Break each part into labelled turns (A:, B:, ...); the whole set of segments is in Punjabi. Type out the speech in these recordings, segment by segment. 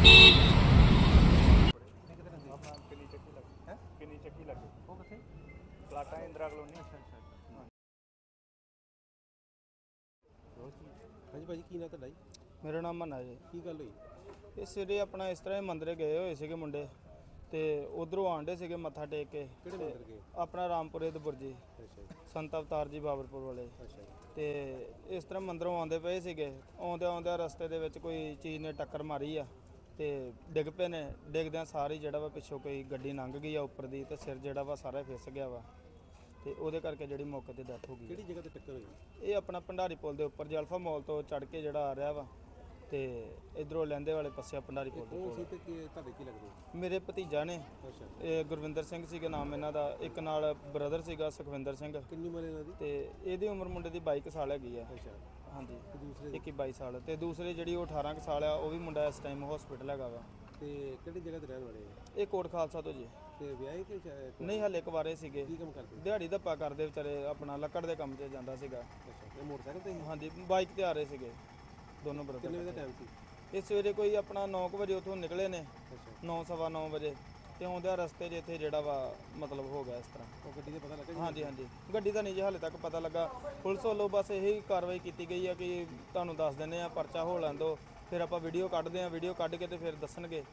A: किन्नी चक्की लगे वो कितने प्लाटा इंदिरा कलोनी। अच्छा अच्छा
B: हाँ जी भाजी की ना तुहाडा जी?
C: मेरा नाम मन्ना जी।
B: की गल हुई?
C: ਇਹ ਸਵੇਰੇ ਆਪਣਾ ਇਸ ਤਰ੍ਹਾਂ ਹੀ ਮੰਦਿਰ ਗਏ ਹੋਏ ਸੀਗੇ ਮੁੰਡੇ ਤੇ ਉਧਰੋਂ ਆਂਡੇ ਸੀਗੇ ਮੱਥਾ ਟੇਕ ਕੇ।
B: ਕਿਹੜੇ ਮੰਦਿਰ ਗਏ?
C: ਆਪਣਾ ਰਾਮਪੁਰੇ ਦੇ ਬੁਰਜੀ
B: ਅੱਛਾ ਜੀ।
C: ਸੰਤ ਅਵਤਾਰ ਜੀ ਬਾਬਰਪੁਰ ਵਾਲੇ।
B: ਅੱਛਾ ਜੀ।
C: ਤੇ ਇਸ ਤਰ੍ਹਾਂ ਮੰਦਿਰੋਂ ਆਉਂਦੇ ਪਏ ਸੀਗੇ, ਆਉਂਦਿਆਂ ਰਸਤੇ ਦੇ ਵਿੱਚ ਕੋਈ ਚੀਜ਼ ਨੇ ਟੱਕਰ ਮਾਰੀ ਆ ਤੇ ਡਿੱਗ ਪਏ ਨੇ। ਡਿੱਗਦਿਆਂ ਸਾਰੀ ਜਿਹੜਾ ਵਾ ਪਿੱਛੋਂ ਕੋਈ ਗੱਡੀ ਲੰਘ ਗਈ ਆ ਉੱਪਰ ਦੀ ਤੇ ਸਿਰ ਜਿਹੜਾ ਵਾ ਸਾਰਾ ਫਿਸ ਗਿਆ ਵਾ ਤੇ ਉਹਦੇ ਕਰਕੇ ਜਿਹੜੀ ਮੌਕੇ ਤੇ ਡੈਥ ਹੋ ਗਈ।
B: ਕਿਹੜੀ ਜਗ੍ਹਾ ਤੇ ਟੱਕਰ ਹੋਈ?
C: ਇਹ ਆਪਣਾ ਭੰਡਾਰੀ ਪੁਲ ਦੇ ਉੱਪਰ ਜਲਫਾ ਮੋਲ ਤੋਂ ਚੜ੍ਹ ਕੇ ਜਿਹੜਾ ਆ ਰਿਹਾ ਵਾ ਤੇ ਇਧਰੋਂ ਲਹਿੰਦੇ ਵਾਲੇ ਪਾਸੇ ਭੰਡਾਰੀ ਪੁਲ ਦੇ
B: ਕੌਣ ਸੀ
C: ਕੋਲ।
B: ਤੇ ਤੁਹਾਡੇ ਕੀ ਲੱਗਦੇ?
C: ਮੇਰੇ ਭਤੀਜਾ ਨੇ,
B: ਅੱਛਾ।
C: ਇਹ ਗੁਰਵਿੰਦਰ ਸਿੰਘ ਸੀਗਾ ਨਾਮ ਇਹਨਾਂ ਦਾ, ਇੱਕ ਨਾਲ ਬ੍ਰਦਰ ਸੀਗਾ ਸੁਖਵਿੰਦਰ ਸਿੰਘ।
B: ਕਿੰਨੀ ਉਮਰ ਇਹਨਾਂ ਦੀ?
C: ਤੇ ਇਹਦੀ ਉਮਰ ਮੁੰਡੇ ਦੀ 22 ਸਾਲ ਹੈਗੀ ਆ।
B: ਅੱਛਾ।
C: ਹਾਂਜੀ,
B: ਤੇ ਦੂਸਰੇ
C: 21-22 ਸਾਲ। ਤੇ ਦੂਸਰੇ ਜਿਹੜੀ ਉਹ 18 ਸਾਲ ਆ, ਉਹ ਵੀ ਮੁੰਡਾ ਇਸ ਟਾਈਮ ਹਸਪੀਟਲ ਹੈਗਾ ਵਾ।
B: ਤੇ ਕਿਹੜੀ ਜਗ੍ਹਾ ਤੇ ਰਹਿਣ ਵਾਲੇ ਆ?
C: ਇਹ ਕੋਟ ਖਾਲਸਾ ਤੋਂ ਜੀ।
B: ਤੇ ਵਿਆਹੇ ਕਿ
C: ਨਹੀਂ, ਹਲੇ ਕੁਵਾਰੇ ਸੀਗੇ।
B: ਕੀ ਕੰਮ ਕਰਦੇ?
C: ਦਿਹਾੜੀ ਧੱਪਾ ਕਰਦੇ ਵਿਚਾਰੇ, ਆਪਣਾ ਲੱਕੜ ਦੇ ਕੰਮ 'ਚ ਜਾਂਦਾ ਸੀਗਾ।
B: ਅੱਛਾ। ਇਹ ਮੋਟਰਸਾਈਕਲ ਤੇ ਸੀ?
C: ਹਾਂਜੀ, ਬਾਈਕ ਤੇ ਆ ਰਹੇ ਸੀਗੇ ਦੋਨੋਂ ਬ੍ਰਦਰ।
B: ਕਿੰਨੇ ਵਜੇ ਦਾ ਟਾਈਮ ਸੀ?
C: ਇਹ ਸਵੇਰੇ ਕੋਈ ਆਪਣਾ 9 ਵਜੇ ਉੱਥੋਂ ਨਿਕਲੇ ਨੇ,
B: ਅੱਛਾ।
C: 9-9:15 ਵਜੇ ਤੇ ਆਉਂਦਿਆਂ ਰਸਤੇ 'ਚ ਇੱਥੇ ਜਿਹੜਾ ਵਾ ਮਤਲਬ ਹੋ ਗਿਆ ਇਸ ਤਰ੍ਹਾਂ।
B: ਉਹ ਗੱਡੀ ਦਾ ਪਤਾ ਲੱਗਾ ਜੀ?
C: ਹਾਂਜੀ ਹਾਂਜੀ, ਗੱਡੀ ਦਾ ਨਹੀਂ ਜੀ ਹਾਲੇ ਤੱਕ ਪਤਾ ਲੱਗਾ। ਪੁਲਿਸ ਵੱਲੋਂ ਬਸ ਇਹੀ ਕਾਰਵਾਈ ਕੀਤੀ ਗਈ ਆ ਕਿ ਤੁਹਾਨੂੰ ਦੱਸ ਦਿੰਦੇ ਆ, ਪਰਚਾ ਹੋ ਲੈਣ ਦਿਓ, ਫਿਰ ਆਪਾਂ ਵੀਡੀਓ ਕੱਢਦੇ ਆ, ਵੀਡੀਓ ਕੱਢ ਕੇ ਤੇ ਫਿਰ ਦੱਸਣਗੇ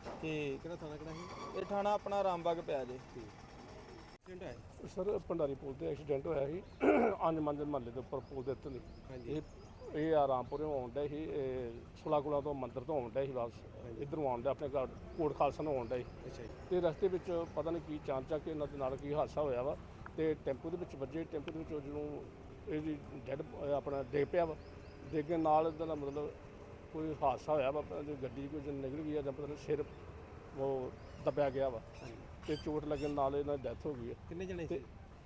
C: ਕਿ
B: ਕਿਹੜਾ ਥਾਣਾ ਕਿਹੜਾ ਸੀ?
C: ਇਹ ਥਾਣਾ ਆਪਣਾ ਰਾਮਬਾਗ ਪਿਆ ਜੀ।
B: ਐਕਸੀਡੈਂਟ ਹੈ
D: ਸਰ ਭੰਡਾਰੀ ਪੁਲ ਤੇ ਐਕਸੀਡੈਂਟ ਹੋਇਆ ਸੀ ਅੰਜਮੰਜ ਮਹੱਲੇ ਦੇ ਉੱਪਰ ਪੁਲ ਦੇ ਉੱਤੇ ਦੀ।
B: ਹਾਂਜੀ।
D: ਇਹ ਆਰਾਮਪੁਰੋਂ ਆਉਂਦਾ ਸੀ, ਸੁਲਾਕੁਲਾ ਤੋਂ ਮੰਦਿਰ ਤੋਂ ਆਉਂਦਾ ਸੀ ਵਾਪਸ ਇੱਧਰੋਂ ਆਉਂਦਾ ਆਪਣੇ ਘਰ ਕੋਟ ਖਾਲਸਾ ਨੂੰ ਆਉਂਦਾ ਸੀ।
B: ਅੱਛਾ ਜੀ।
D: ਤੇ ਰਸਤੇ ਵਿੱਚ ਪਤਾ ਨਹੀਂ ਕੀ ਚਾਂਚਕ ਇਹਨਾਂ ਦੇ ਨਾਲ ਕੀ ਹਾਦਸਾ ਹੋਇਆ ਵਾ ਤੇ ਟੈਂਪੂ ਦੇ ਵਿੱਚ ਵੱਜੇ। ਟੈਂਪੂ ਦੇ ਵਿੱਚ ਜਦੋਂ ਇਹਦੀ ਡੈਡ ਆਪਣਾ ਡਿੱਗ ਪਿਆ ਵਾ, ਡਿੱਗਣ ਨਾਲ ਇਹਦਾ ਦਾ ਮਤਲਬ ਕੋਈ ਹਾਦਸਾ ਹੋਇਆ ਵਾ, ਗੱਡੀ ਕੋਈ ਨਿਕਲ ਗਈ ਆ ਜਾਂ ਪਤਾ ਨਹੀਂ ਸਿਰ ਉਹ ਦੱਬਿਆ ਗਿਆ ਵਾ ਤੇ ਚੋਟ ਲੱਗਣ ਨਾਲ ਇਹਨਾਂ ਦੀ ਡੈਥ ਹੋ ਗਈ ਹੈ।
B: ਕਿੰਨੇ ਜਣੇ ਸੀ?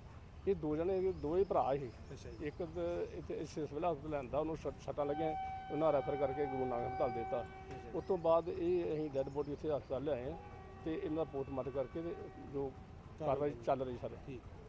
D: ਇਹ ਦੋ ਜਣੇ, ਦੋ ਹੀ ਭਰਾ ਸੀ।
B: ਅੱਛਾ ਜੀ।
D: ਇੱਕ ਇੱਥੇ ਸਿਵਲ ਹਸਪਤਾਲ ਲੈਂਦਾ, ਉਹਨੂੰ ਸੱਟਾਂ ਲੱਗੀਆਂ, ਉਹਨਾਂ ਰੈਫਰ ਕਰਕੇ ਗੁਰੂ ਨਾਨਕ ਹਸਪਤਾਲ ਦੇ ਦਿੱਤਾ। ਉਸ ਤੋਂ ਬਾਅਦ ਇਹ ਅਸੀਂ ਡੈੱਡ ਬੋਡੀ ਇੱਥੇ ਹਸਪਤਾਲ ਲਿਆਏ ਹਾਂ ਤੇ ਇਹਨਾਂ ਦਾ ਪੋਸਟਮਾਰਟਮ ਕਰਕੇ ਤੇ ਜੋ ਕਾਰਵਾਈ ਚੱਲ ਰਹੀ ਸਰ।
B: ਠੀਕ।